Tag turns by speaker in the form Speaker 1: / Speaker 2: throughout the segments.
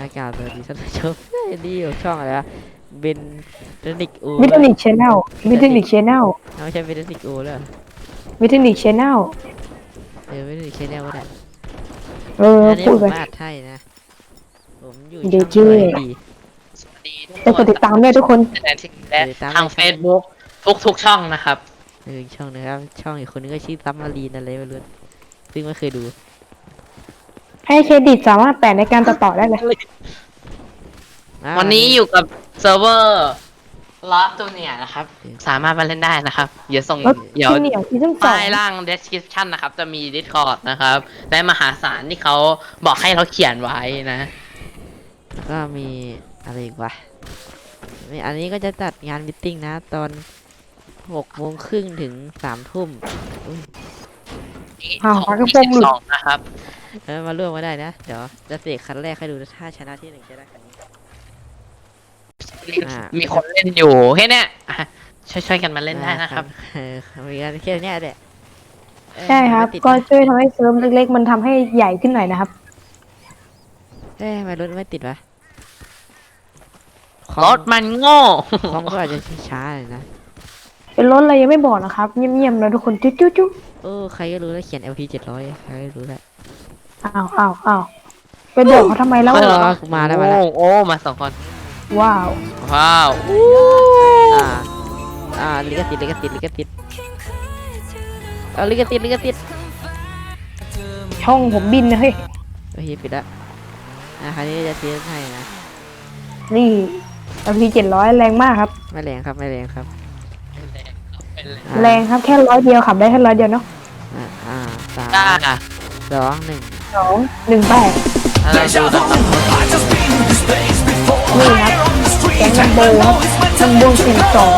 Speaker 1: อากาศสวัสดีท่านผู้ชมนี่อยู่ช่องอะไรวะเบนเทคนิคโอ
Speaker 2: มิเทนิกชแนลมิเทนิกชแนล
Speaker 1: ไม่ใช่เบนเทคนิคโอเลย
Speaker 2: มิเทนิกชแนล
Speaker 1: เบนเทคนิคแนลก็ได้อันนี้
Speaker 2: พูดไป
Speaker 1: ผมอัดให้นะผมอยู่
Speaker 2: เด
Speaker 1: ช่อง
Speaker 2: จี
Speaker 1: ตัวดี
Speaker 3: สวัสดีทุก
Speaker 2: แต่
Speaker 3: ค
Speaker 2: กด
Speaker 3: น
Speaker 2: ติดตามด้วยทุกคน
Speaker 3: และทาง Facebook ทุกช่องนะครับ
Speaker 1: ช่องนะครับช่องอีกคนนึงก็ชื่อซัมมารีนอะไรไม่รู้ซึ่งไม่เคยดู
Speaker 2: ให้เครดิตสามารถแปะในการตัดต่อได้เลย
Speaker 3: วันนี้อยู่กับเซิร์ฟเวอร์ลอสตัวเนี่ยนะครับ สามารถมาเล่นได้นะครับ เดี๋ยว
Speaker 2: ที่เหนียวซีซั่นสอง
Speaker 3: ใต้ล่าง description นะครับ จะมี Discord นะครับ และมหาศาลที่เขาบอกให้เราเขียนไว้นะ
Speaker 1: แล้วก็มีอะไรอีกวะอันนี้ก็จะจัดงานมิทติ้งนะตอน6 โมงครึ่งถึง3 ทุ่ม
Speaker 2: พักกระโปรงหลุด
Speaker 3: 22นะครับ
Speaker 1: มาร่วมมาได้นะเดี๋ยวจะเสกคันแรกให้ดูถ้าชนะที่1จะได้คันนี้
Speaker 3: มีคนเล่นอยู่แค่เนี้ยอ่ะช่วยกันมาเล่นได้นะครับ
Speaker 1: มีกันแค่นี้แหละ
Speaker 2: ใช่ครับ
Speaker 1: ไม่ติด
Speaker 2: ก็
Speaker 1: นะ
Speaker 2: ช่วยทำให้เซิร์ฟเล็กๆ มันทำให้ใหญ่ขึ้นหน่อยนะครับ
Speaker 1: ทำไมรถไม่ติดวะ
Speaker 3: รถมันโง่
Speaker 1: คอมก็อาจจะช้าๆเลยนะ
Speaker 2: เป็นรถอะไรยังไม่บอกนะครับ เงียบๆนะทุกคนจุ๊จุ๊
Speaker 1: ใครก็รู้แล้วเขียน LP 700ใครก็รู้แล้ว
Speaker 2: อ้าวไปบอกเขาทำไมแล้ว
Speaker 1: มาแล้ว
Speaker 3: โอ้มาสองคน
Speaker 2: ว้าว
Speaker 3: ว้าว
Speaker 1: ลิขสิทธิ์เอาลิขสิทธิ์
Speaker 2: ช่องผมบินนะเฮ้ย
Speaker 1: โอเคปิดละคราวนี้จะเทสให้นะ
Speaker 2: นี่ LP 700แรงมากครับ
Speaker 1: ไม่แรงครับ
Speaker 2: แรงครับแค่100 เดียวขับได้แค่100 เดียวเนาะ
Speaker 1: 3
Speaker 3: จ้า
Speaker 1: 2 1
Speaker 2: 2 1 8
Speaker 3: เราดูนะครับ
Speaker 2: นี่ครับแก๊งลัมโบครับลัมโบ42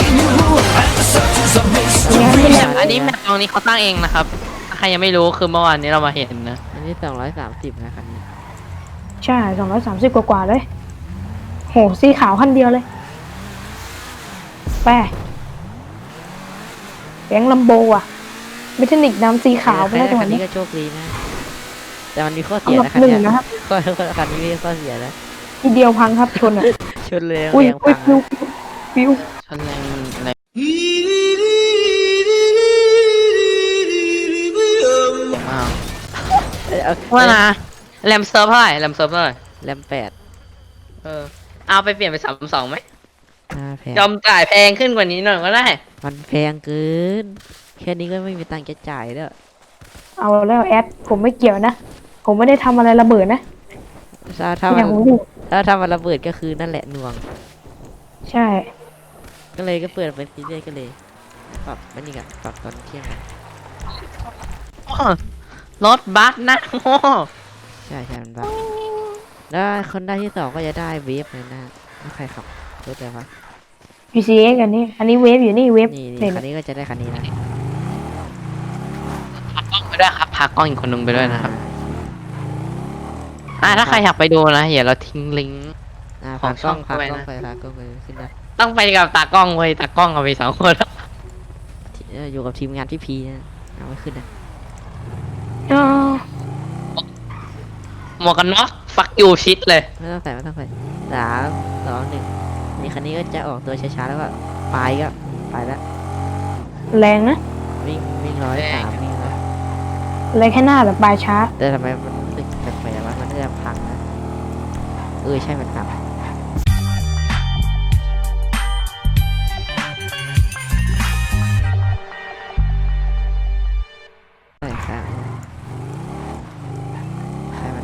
Speaker 2: งานไม่แรง
Speaker 3: อันนี้แมปตรงนี้เขาตั้งเองนะครับถ้าใครยังไม่รู้คือเมื่อวานนี้เรามาเห็นนะ
Speaker 1: อันนี้230นะคันนี้
Speaker 2: ใช่230กว่าๆเลยโหสีขาวคันเดียวเลยแปะแก๊งลัมโบอ่ะมิทนิกน้ำสีขาวไปแล้วตรง
Speaker 1: คันนี้
Speaker 2: นี้
Speaker 1: ก็โชคดีนะแต่มันมีข้อ
Speaker 2: อั
Speaker 1: เสี
Speaker 2: น
Speaker 1: ย
Speaker 2: ดับ
Speaker 1: นะคัน
Speaker 2: หนึ่ง
Speaker 1: นี้
Speaker 2: นะครับ
Speaker 1: คันนี้มีข้อเสียนะ
Speaker 2: ทีเดียวพังครับชนอ่ะ
Speaker 1: ชนเลย
Speaker 2: อุ้ย
Speaker 1: แรง
Speaker 2: อุ้ย
Speaker 1: พัง
Speaker 2: ฟิว
Speaker 3: ชั้นแรงแรงอ้าวว่านะแรมเซิร์ฟเท่าไหร่แรมเซิร์ฟเท่าไหร่
Speaker 1: แรม8
Speaker 3: เอาไปเปลี่ยนเป็น32ไหม
Speaker 1: แพง
Speaker 3: ยอมจ่ายแพงขึ้นกว่านี้หน่อยก็ได้
Speaker 1: มันแพงเกินแค่นี้ก็ไม่มีตังค์จะจ่ายแล้ว
Speaker 2: เอาแล้วแอดผมไม่เกี่ยวนะผมไม่ได้ทำอะไรระเบิดนะ
Speaker 1: ถ้า
Speaker 2: เนี่
Speaker 1: มั
Speaker 2: ย
Speaker 1: น
Speaker 2: ผมอยู่
Speaker 1: ถ้ามันระเบิดก็คือนั่นแหละหน่วง
Speaker 2: ใช่
Speaker 1: ก็เลยก็เปิดเป็นซีเรียสก็เลยปรับมันนี่กะปรับตอนเที่ยงกัน
Speaker 3: รถบัสนะโง่
Speaker 1: ใช่มันบักแล้วคนได้ที่2ก็จะได้เวฟเลยนะถ้าใครขับรถอะไรวะ
Speaker 2: PCX อันนี้เวฟอยู่นี่เวฟ
Speaker 1: นี่
Speaker 2: เห็น
Speaker 1: คันนี้ก็จะได้คันนี้นะ
Speaker 3: พากล้องไปด้วยครับพากล้องอีกคนนึงไปด้วยนะครับถ้าใครอยากไปดูนะเดี๋ยวเราทิ้งลิงก์
Speaker 1: พากล้อง
Speaker 3: ของช่อง
Speaker 1: พากล้อง
Speaker 3: ด้วยนะ
Speaker 1: ไปพากล้องไปขึ้นได้
Speaker 3: ต้องไปกับตากล้องเว้ยตากล้องเอาไป2 คน
Speaker 1: อยู่กับทีมงานพี่พีนะเอาไม่ขึ้นนะ
Speaker 2: อ๋อ
Speaker 3: หมวกกันน็อกฟักยูชิดเลย
Speaker 1: ไม่ต้องใส่3 2 1นี่คันนี้ก็จะออกตัวช้าๆแล้วก็ไปก็ไปแล้ว
Speaker 2: แรงนะ
Speaker 1: วิ่ง103วิ่งแล้ว
Speaker 2: แรงแค่หน้าแต่ปลายช้า
Speaker 1: แต่ทำไมมันรู้สึกแปลกๆวะมันจะพังนะใช่มันพังใช่ครับใช่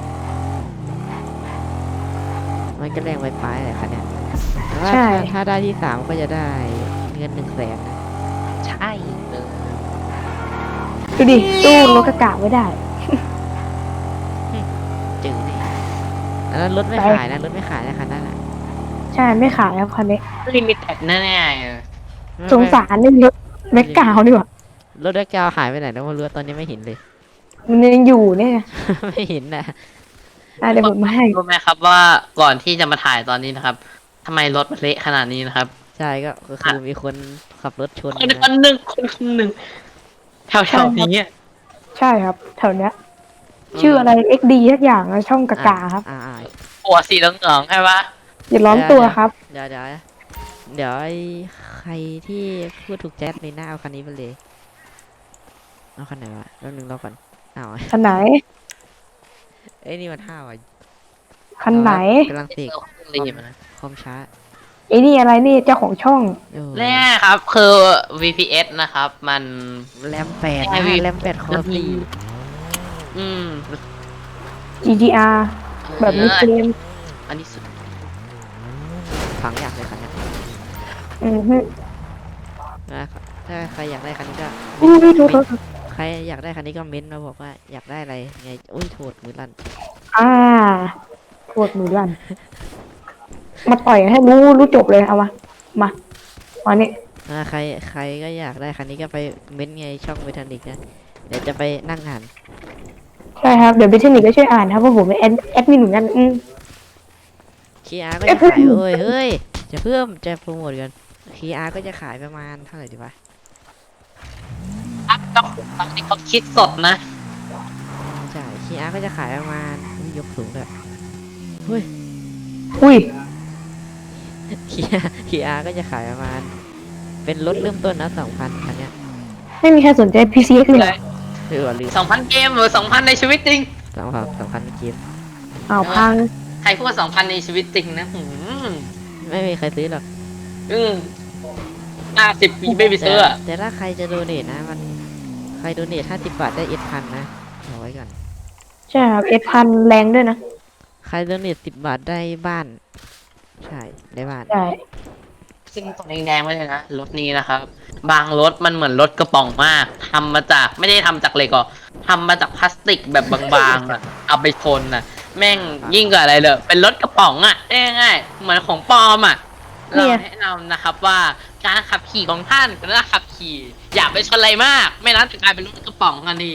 Speaker 1: มันก็แรงไปปลายเลยคันเนี้ยแต่ว่า
Speaker 2: ใช่
Speaker 1: ถ้าได้ที่3ก็จะได้เงิน100,000นะ
Speaker 3: ใช่เลย
Speaker 2: ดูดิตู้รถกระกะไม่ได้
Speaker 1: จืดนี่อันนั้นรถไม่ขายนะคันนั้นอ่ะ
Speaker 2: ใช่ไม่ขายครับคันนี้
Speaker 3: ลิมิเต็ดแน่ๆเลย
Speaker 2: สงสารนี่รถแม็กกาวดีกว่าร
Speaker 1: ถแบ็คกราวด์หายไปไหนแล้วไม่รู้ตอนนี้ไม่เห็นเลย
Speaker 2: มันยังอยู่เนี่ย
Speaker 1: ไม่เห็นนะ
Speaker 2: เดี๋ยวผมมาให้
Speaker 3: รู้ไหมครับว่าก่อนที่จะมาถ่ายตอนนี้นะครับทำไมรถมันเละขนาดนี้นะครับ
Speaker 1: ใช่ก็คือมีคนขับรถชน
Speaker 3: คน
Speaker 1: นะ
Speaker 3: คนหนึ่งแถวๆนี้
Speaker 2: ใช่ครับแถวเนี้ยชื่ออะไร XD ทักอย่างนะช่องกากาครับ
Speaker 3: ผหัวสีเหลืองๆใช่ปะ
Speaker 2: อย่าล้อมตัวครับ
Speaker 1: เดี๋ยวไอ้ใครที่พูดถูกแจ๊ดในหน้าเอาคันนี้ไปเลยเอาคันไหนวะแป๊บนึงรอก่อนเอา
Speaker 2: คันไหน
Speaker 1: เอ้ยนี่มันห้าวอ่ะ
Speaker 2: คันไหน
Speaker 1: กำลังเสก
Speaker 3: รีบนะ
Speaker 1: คอมช้า
Speaker 2: ไอ้นี่อะไรนี่เจ้าของช่อง
Speaker 1: โอ้
Speaker 3: เนี่ยครับคือ VPS นะครับ มัน
Speaker 1: แรมแปด
Speaker 3: ไอ้
Speaker 1: นะ
Speaker 3: วิ
Speaker 1: แรมแปดคอร์ตี
Speaker 3: อืม
Speaker 2: GTR แบบนี้เกม
Speaker 3: อันนี้สุด
Speaker 1: ฝังอยากเลยคันเนี้ย
Speaker 2: อือฮึ
Speaker 1: นะถ้าใครอยากได้คันนี้ก็
Speaker 2: อู้ยโทษ
Speaker 1: ใครอยากได้คันนี้ก็เม้นต์มาบอกว่าอยากได้อะไรไงอุ้ยโทษมือลั่น
Speaker 2: โทษมือลั่นมาต่อยให้รู้จบเลยเอามาวันนี้
Speaker 1: ใครก็อยากได้คันนี้ก็ไปเม้นต์ไงช่องเมทันิกนะเดี๋ยวจะไปนั่งอ่าน
Speaker 2: ใช่ครับเดี๋ยวเบทนิกก็ช่วยอ่านครับเพราะผมเป็นแอดมินเหมือนกัน
Speaker 1: คีอาร์ก็จะขายเฮ้ยจะเพิ่มจะโปรโมทกันคีอาร์ก็จะขายประมาณเท่าไหร่ดีวะ
Speaker 3: ครับต้องตอนนี้เขาคิดสดนะ
Speaker 1: ใช่คีอาร์ก็จะขายประมาณอุ๊ยยกสูงเลยเฮ้ย
Speaker 2: อุ้ย
Speaker 1: คีอาร์ก็จะขายประมาณเป็นรถเริ่มต้นนะ2,000คันเนี้ย
Speaker 2: ไม่มีใครสนใจ PCX เลยเหรอ
Speaker 1: หรือว่าลืม
Speaker 3: 2,000 เกมหรือ 2,000 ในชีวิตจริง
Speaker 1: 2,000เกม
Speaker 2: อ้าวพัง
Speaker 3: ใครพูดว่า 2,000 ในชีวิตจริงนะ
Speaker 1: ไม่มีใครซื้อหรอก
Speaker 3: อืม50 ปีไม่ไปซื้ออะ
Speaker 1: แต่ถ้าใครจะโดเนทนะมันใครโดเนท50 บาทได้1,000นะเอาไว้ก่อน
Speaker 2: ใช่ครับพันแรงด้วยนะ
Speaker 1: ใครโดเนท10 บาทได้บ้านใช่ได้บ้าน
Speaker 2: ใช่
Speaker 3: ซึ่งตรงแดงๆไว้เลยนะรถนี้นะครับ บางรถมันเหมือนรถกระป๋องมากทำมาจากไม่ได้ทำจากเหล็กหรอกทำมาจากพลาสติกแบบบางๆอ่ะ เอาไปชนอ่ะ แม่งยิ่งกว่าอะไรเลยเป็นรถกระป๋องอ่ะง่ายๆเหมือนของปลอมอ่ะเราแนะนำนะครับว่าการขับขี่ของท่านก็ต้องขับขี่อย่าไปชนอะไรมาก ไม่นั้นจะกลายเป็นรถกระป๋องกันดี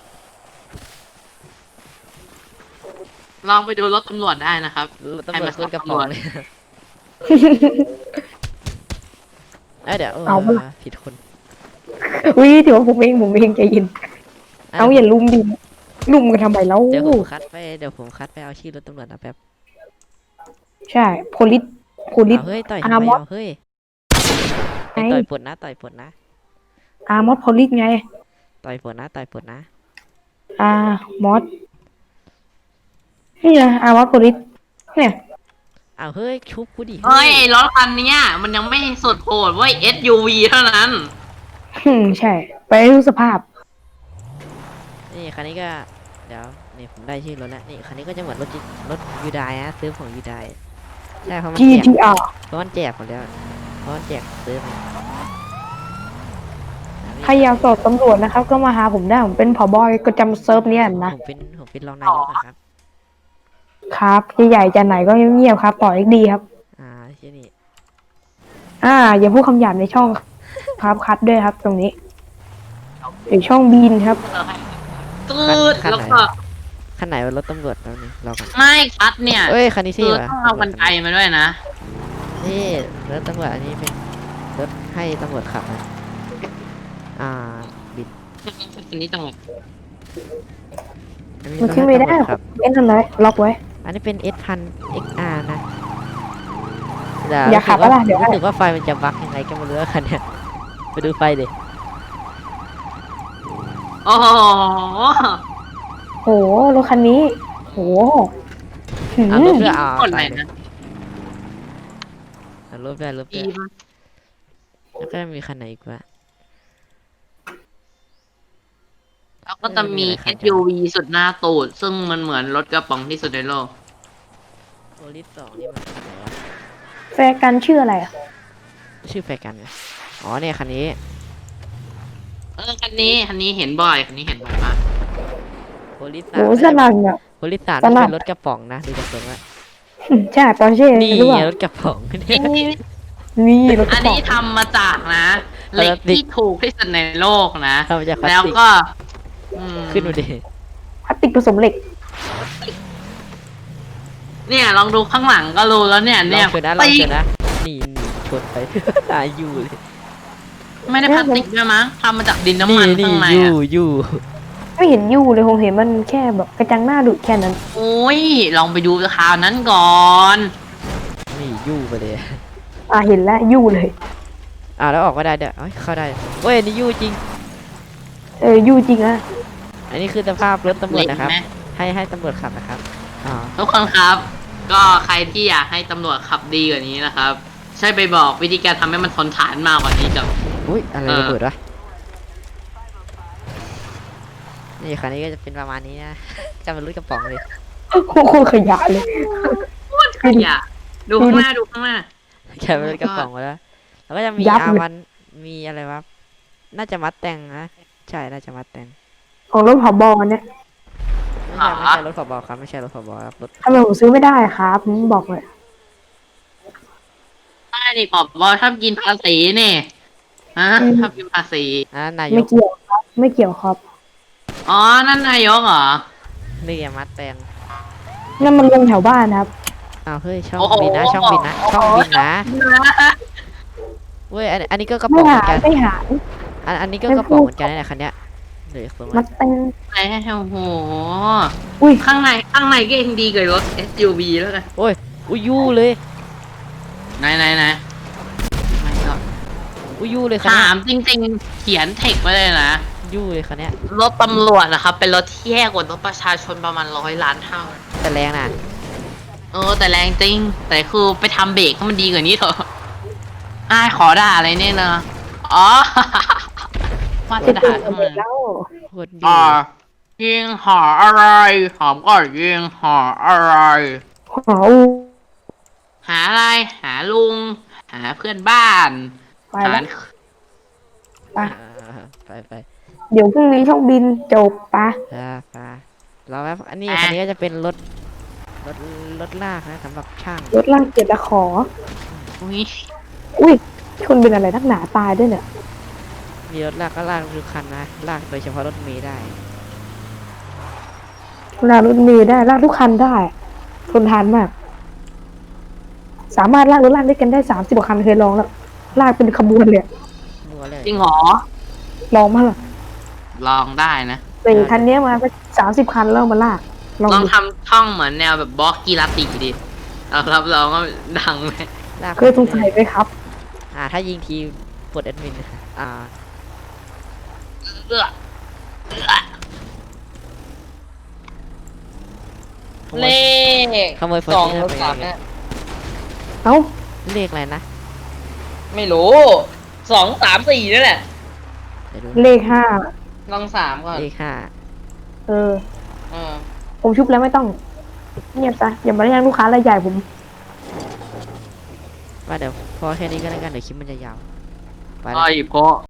Speaker 3: ลองไปดูรถตำรวจได้นะครับ
Speaker 1: ตำรวจขึ้นกระป๋องเลยเดี๋ยวผิดคน
Speaker 2: อุ้ยถือว่าผมเองใจเย็นเอาอย่าลุมดิลุมกันทำไมแล้ว
Speaker 1: เดี๋ยวผมคัดไปเอาชื่อรถตำรวจนะแป๊บ
Speaker 2: ใช่โพลิส
Speaker 1: เฮ้ยต่อยทำไมเฮ้ยต่อยปวดนะ
Speaker 2: อาร์มอสโพลิสไง
Speaker 1: ต่อยปวดนะ
Speaker 2: มอสนี่ไงอาร์มอสโพลิสเนี่ย
Speaker 1: เฮ้ยชุบกูดิ
Speaker 3: เฮ้ยรถคันเนี้ยมันยังไม่สุดโหดเว้ย SUV เท่านั้น
Speaker 2: ใช่ ไปดูสภาพ
Speaker 1: นี่คันนี้ก็เดี๋ยวนี่ผมได้ชื่อรถแล้วนี่คันนี้ก็จะเหมือนรถยูไดนะซื้อของยูไดใช่เพราะมันแจก
Speaker 2: GTR
Speaker 1: เพราะมันแจกหมดแล้วเพราะมันแจกซื้อมา
Speaker 2: ใครอยากสอบตำรวจนะครับ ก็มาหาผมได้ผมเป็นผบก็จำเซิร์ฟเนี่ยนะ
Speaker 1: ผมเป็นรองนายกนะครับ
Speaker 2: ครับใหญ่ๆจะไหนก็เงียบๆครับต่อ XD ครับ
Speaker 1: ที่นี่
Speaker 2: อย่าพูดคำหยาบในช่องครับคัดด้วยครับ ตรงนี้หรือช่องบีนครับ
Speaker 3: ตืดแล้วก็
Speaker 1: คันไหนว่ารถตำรวจแล้วนี่รอก่อน
Speaker 3: ไม่คัดเนี่ย
Speaker 1: เอ้ยคันนี้
Speaker 3: คื
Speaker 1: ที่
Speaker 3: อ
Speaker 1: วะ
Speaker 3: ต้องเอากันไกลมาด้วยนะ
Speaker 1: นี่รถตำรวจอันนี้เป็นรถให้ตำรวจขับนะบิด
Speaker 3: อันนี้จังหวะ
Speaker 1: อันนี้
Speaker 2: มัน
Speaker 1: รถ
Speaker 2: ขึ้น
Speaker 1: ให้
Speaker 2: ไม่ได้
Speaker 1: ตำรวจขับ
Speaker 2: เล่นทำไรล็อกไว้
Speaker 1: อันนี้เป็น S1000 XR นะ
Speaker 2: อย่าขับแล้วล่ะเดี๋ยว
Speaker 1: รู้สึกว่าไฟมันจะบั๊กยังไงก็ไม่รู้คันเนี้ยไปดูไฟดิ
Speaker 3: โอ้โห
Speaker 2: โหรถคันนี้โหหืม
Speaker 1: รถด้วย
Speaker 3: คนไหนนะ
Speaker 1: รถด้วย
Speaker 3: ดีมาก
Speaker 1: แล้วก็มีคันไหนอีกวะ
Speaker 3: แล้วก็จะมี SUV สุดหน้าตูด ซึ่งมันเหมือนรถกระป๋องที่สุดในโลก
Speaker 1: โพลิส2นี่มันอะไรวะ
Speaker 2: แฟร์กันชื่ออะไรอ่ะ
Speaker 1: ชื่อแฟกันไงอ๋อเนี่ยคันนี้
Speaker 3: คันนี้เห็นบ่อยมาก
Speaker 1: โพลิส
Speaker 2: โหสนั่นอ่ะ
Speaker 1: โพลิส3
Speaker 2: สนั่
Speaker 1: เป็น นรถกระป๋องนะดูจากตรงว่า
Speaker 2: ใช่ตอนชื่อ
Speaker 1: นี่
Speaker 2: รู้ป่ะ
Speaker 1: รถกระป๋องเนี่ย
Speaker 2: นี่รถก
Speaker 3: อั
Speaker 2: ระ
Speaker 3: น
Speaker 2: ป๋อง
Speaker 3: นี้ทำมาจากนะเหล็กที่ถูกที่สุดในโลกนะ
Speaker 1: ทำมาจากพลาส
Speaker 3: แล้ว
Speaker 1: ติก
Speaker 3: ก็
Speaker 1: ขึ้นดูดิ
Speaker 2: พลาสติกผสมเหล็ก
Speaker 3: เนี่ยลองดูข้างหลังก็รู้แล้วเนี่ย
Speaker 1: ลองชนนะนี่ชนไป ตายอยู่เลย
Speaker 3: ไม่ได้พลาสติกด้วยมั้งทำมาจากดินน้ำมันข้างใน
Speaker 1: อยู่
Speaker 2: ไม่เห็นยู่เลยผมเห็นมันแค่แบบกระจังหน้าดุแค่นั้น
Speaker 3: โอ้ยลองไปดูข่าวนั้นก่อน
Speaker 1: นี่ยู่ไปเลย
Speaker 2: เห็นแล้วยู่เลย
Speaker 1: แล้วออกมาได้เด้อเอ้ยเข้าได้เว้ยนี่ยู่จริง
Speaker 2: ยู่จริงอะ
Speaker 1: อันนี้คือสภาพรถตำรวจนะครับ
Speaker 3: เล็กไหม
Speaker 1: ให้ตำรวจขับนะครับอ๋อ
Speaker 3: ทุกคนครับ ก็ใครที่อยากให้ตำรวจขับดีกว่านี้นะครับ ใช่ไปบอกวิธีการทำให้มันทนทานมากกว่านี้กับ
Speaker 1: อุ้ยอะไร
Speaker 3: เออ
Speaker 1: ระเบิดวะนี่คันนี้ก็จะเป็นประมาณนี้นะ จะเป็นรถกระป๋องเลย
Speaker 2: โคตรขยะเลย
Speaker 3: ขยะดูข้างหน้าดูข้างหน้า
Speaker 1: แค่เป็นรถกระป๋องมาแล้วแล้วก็จะมี
Speaker 2: ยับเลย
Speaker 1: R1 มีอะไรวะน่าจะมัดแต่งนะใช่น่าจะมัดแต่ง
Speaker 2: ของรถผบเนี่ย
Speaker 1: ไม่ใช่รถผบครับไม่ใช่รถผบครับรถ
Speaker 2: ทำไมผมซื้อไม่ได้ครับผมบอกเลย
Speaker 3: ใช่นี่ปอบว่าชอบกินภาษีนี่ฮะชอบกินภาษี
Speaker 1: นาย
Speaker 2: ไม่
Speaker 1: ก
Speaker 2: เกี่ยวครับ ไม่เกี่ยวครับ
Speaker 3: อ๋อ นั่นนายกเหรอ
Speaker 1: นี่มัดแต่ง
Speaker 2: นั่นมันลงแถวบ้านนะครับ
Speaker 1: เฮ้ยช่อง
Speaker 3: โอ้โห
Speaker 1: บินนะช่องบินนะช่องบินนะเว้ยอันนี้ก็กระป๋
Speaker 2: ไม่
Speaker 1: องเหมื
Speaker 2: หา
Speaker 1: อนกัน
Speaker 2: ไม่หา
Speaker 1: อันนี้ก็กระป๋องเหมือนกันนี่แหละคันเนี้ยเดี๋ยวส่ง
Speaker 2: มั
Speaker 1: มา
Speaker 2: ดเต็ง
Speaker 3: ไอ้โอ้โห
Speaker 2: อุ้ย
Speaker 3: ข้างในก็ยังดีกว่ารถ SUV แล้วกัน
Speaker 1: โอ้ยอุ้ยยู่เลย
Speaker 3: ไหนไม่ก็
Speaker 1: อุ้ยยู่เลยคัน
Speaker 3: ถา
Speaker 1: เนี้ย
Speaker 3: มจริงๆ เขียนเทคไว้เลยนะ
Speaker 1: ยู่เลยคันเนี้ย
Speaker 3: รถตำรวจนะครับ เป็นรถที่แย่กว่ารถประชาชนประมาณ100 ล้านเท่า
Speaker 1: แต่แรงนะ
Speaker 3: แต่แรงจริง แต่คือไปทำเบรกให้มันดีกว่านี้เถอะขอด่าอะไรเนี่ยนะอ๋อ ว่าจะ
Speaker 2: จะ
Speaker 3: ด่า
Speaker 2: ตื่น
Speaker 3: ทำไม
Speaker 2: แล้ว
Speaker 1: โคตรยู่
Speaker 3: ยิงหาอะไรหอมก่อนยิงหาอะไร
Speaker 2: หอ
Speaker 3: หาอะไร หาลุง หาเพื่อนบ้าน
Speaker 2: ไป
Speaker 3: หา
Speaker 2: แล้วไป
Speaker 1: ไป
Speaker 2: เดี๋ยวพรุ่งนี้ช่องบินจบปะ
Speaker 1: ไปเราแบบอันนี้คันนี้ก็จะเป็นรถรถลากนะสำหรับช่าง
Speaker 2: รถล่างเจ็ดตะขอ
Speaker 3: อุ้ย
Speaker 2: อุ้ยชนเป็นอะไรนักหนาตายด้วยเนี่ย
Speaker 1: มีรถลากก็ลากทุกคันนะลากโดยเฉพาะรถเมล์ได้
Speaker 2: ลากรถเมล์ได้ลากทุกคันได้ทนทานมาก สามารถลากรถลากด้วยกันได้30กว่าคันเคยลองแล้วลากเป็นขบวนเลย
Speaker 1: มัวเลย
Speaker 3: จริงเหรอ
Speaker 2: ลองมาล่ะ
Speaker 3: ลองได้นะ
Speaker 2: แต่คันเนี้ยมาก็30คันแล้วมาลากลอง
Speaker 3: ลอง
Speaker 2: ดู
Speaker 3: ทำช่องเหมือนแนวแบบบล็อกกีฬาติดิเรารับรองว่าดังเลย
Speaker 1: ลาก
Speaker 2: เคยสงสัยไหมครับ
Speaker 1: ถ้ายิงทีปลดแอดมินอ่า
Speaker 3: เอื้อเลข
Speaker 1: ขโมย
Speaker 3: สอง
Speaker 1: Fortuner
Speaker 3: รถ
Speaker 1: ไป
Speaker 3: สาม
Speaker 1: เลย
Speaker 3: เนี่ย
Speaker 2: เอ้า
Speaker 1: เลขอะไรนะ
Speaker 3: ไม่รู้2 3 4นี่แหละ
Speaker 1: เดี๋ยวดู
Speaker 2: เลขห้า
Speaker 3: ลอง3ก่อน
Speaker 1: เลข5
Speaker 2: เออ
Speaker 3: เออ
Speaker 2: ผมชุบแล้วไม่ต้องเงียบซะอย่ามาเรียกลูกค้ารายใหญ่ผม
Speaker 1: ว่าเดี๋ยวพอแค่นี้ก็แล้วกันเดี๋ยวคลิปมันจะยาวไป
Speaker 3: ไอ้
Speaker 1: ละ
Speaker 3: เพราะ